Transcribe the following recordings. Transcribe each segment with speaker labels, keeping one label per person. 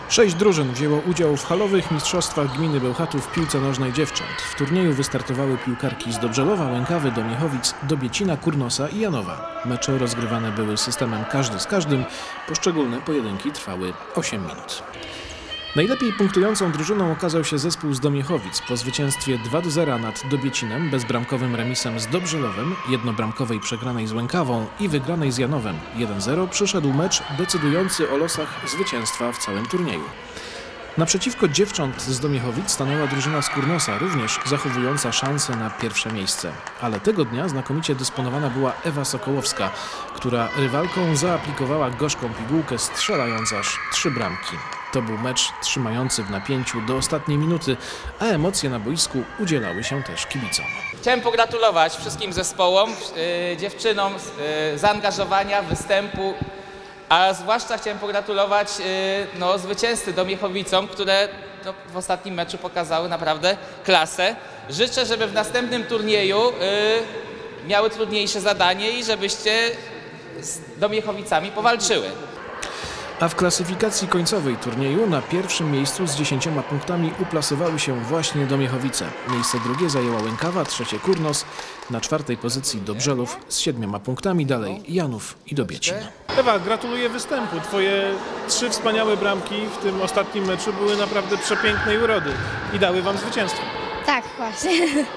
Speaker 1: 6 drużyn wzięło udział w halowych mistrzostwach gminy Bełchatów w piłce nożnej dziewcząt. W turnieju wystartowały piłkarki z Dobrzelowa, Łękawy, Domiechowic, Dobiecina, Kurnosa i Janowa. Mecze rozgrywane były systemem każdy z każdym. Poszczególne pojedynki trwały 8 minut. Najlepiej punktującą drużyną okazał się zespół z Domiechowic. Po zwycięstwie 2-0 nad Dobiecinem, bezbramkowym remisem z Dobrzelowem, jednobramkowej przegranej z Łękawą i wygranej z Janowem 1-0 przyszedł mecz decydujący o losach zwycięstwa w całym turnieju. Naprzeciwko dziewcząt z Domiechowic stanęła drużyna z Kurnosa, również zachowująca szansę na pierwsze miejsce. Ale tego dnia znakomicie dysponowana była Ewa Sokołowska, która rywalką zaaplikowała gorzką pigułkę, strzelając aż 3 bramki. To był mecz trzymający w napięciu do ostatniej minuty, a emocje na boisku udzielały się też kibicom.
Speaker 2: Chciałem pogratulować wszystkim zespołom, dziewczynom zaangażowania, występu, a zwłaszcza chciałem pogratulować zwycięzcy Domiechowicom, które w ostatnim meczu pokazały naprawdę klasę. Życzę, żeby w następnym turnieju miały trudniejsze zadanie i żebyście z Domiechowicami powalczyły.
Speaker 1: A w klasyfikacji końcowej turnieju na pierwszym miejscu z 10 punktami uplasowały się właśnie Domiechowice. Miejsce drugie zajęła Łękawa, trzecie Kurnos, na 4. pozycji Dobrzelów z 7 punktami, dalej Janów i Dobiecin.
Speaker 3: Ewa, gratuluję występu. Twoje 3 wspaniałe bramki w tym ostatnim meczu były naprawdę przepięknej urody i dały wam zwycięstwo.
Speaker 4: Tak, właśnie.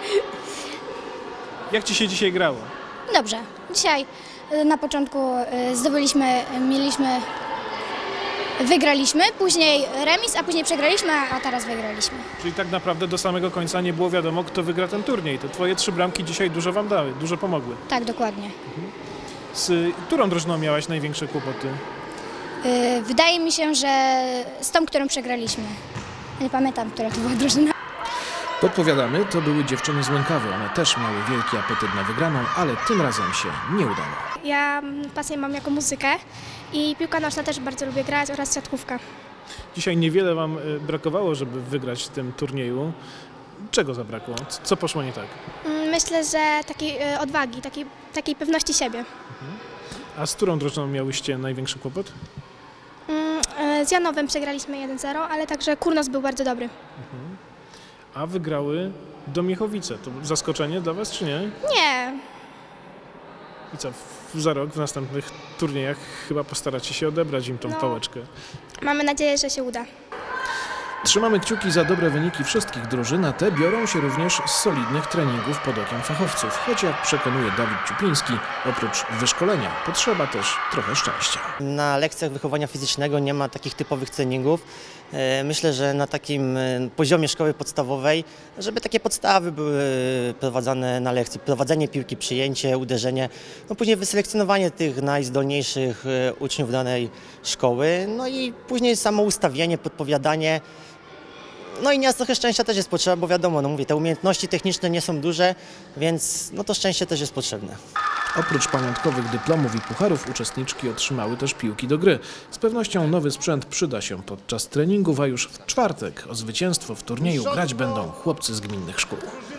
Speaker 3: Jak ci się dzisiaj grało?
Speaker 4: Dobrze. Dzisiaj na początku wygraliśmy, później remis, a później przegraliśmy, a teraz wygraliśmy.
Speaker 3: Czyli tak naprawdę do samego końca nie było wiadomo, kto wygra ten turniej. To twoje 3 bramki dzisiaj dużo wam dały, dużo pomogły.
Speaker 4: Tak, dokładnie.
Speaker 3: Z którą drużyną miałaś największe kłopoty?
Speaker 4: Wydaje mi się, że z tą, którą przegraliśmy. Nie pamiętam, która to była drużyna.
Speaker 1: Podpowiadamy, to były dziewczyny z Łękawy. One też miały wielki apetyt na wygraną, ale tym razem się nie udało.
Speaker 5: Ja pasję mam jako muzykę i piłka nożna też bardzo lubię grać oraz siatkówka.
Speaker 3: Dzisiaj niewiele wam brakowało, żeby wygrać w tym turnieju. Czego zabrakło? Co poszło nie tak?
Speaker 5: Myślę, że takiej odwagi, takiej pewności siebie.
Speaker 3: A z którą drużyną miałyście największy kłopot?
Speaker 5: Z Janowem przegraliśmy 1-0, ale także Kurnos był bardzo dobry.
Speaker 3: A wygrały Domiechowice. To zaskoczenie dla was, czy nie?
Speaker 5: Nie,
Speaker 3: I co, za rok w następnych turniejach chyba postaracie się odebrać im tą pałeczkę.
Speaker 5: mamy nadzieję, że się uda.
Speaker 1: Trzymamy kciuki za dobre wyniki wszystkich drużyn, a te biorą się również z solidnych treningów pod okiem fachowców. Choć jak przekonuje Dawid Ciupiński, oprócz wyszkolenia potrzeba też trochę szczęścia.
Speaker 6: Na lekcjach wychowania fizycznego nie ma takich typowych treningów. Myślę, że na takim poziomie szkoły podstawowej, żeby takie podstawy były prowadzone na lekcji. Prowadzenie piłki, przyjęcie, uderzenie, później wyselekcjonowanie tych najzdolniejszych uczniów danej szkoły, i później samo ustawienie, podpowiadanie. I nieraz trochę szczęścia też jest potrzeba, bo wiadomo, mówię, te umiejętności techniczne nie są duże, więc to szczęście też jest potrzebne.
Speaker 1: Oprócz pamiątkowych dyplomów i pucharów uczestniczki otrzymały też piłki do gry. Z pewnością nowy sprzęt przyda się podczas treningów, a już w czwartek o zwycięstwo w turnieju grać będą chłopcy z gminnych szkół.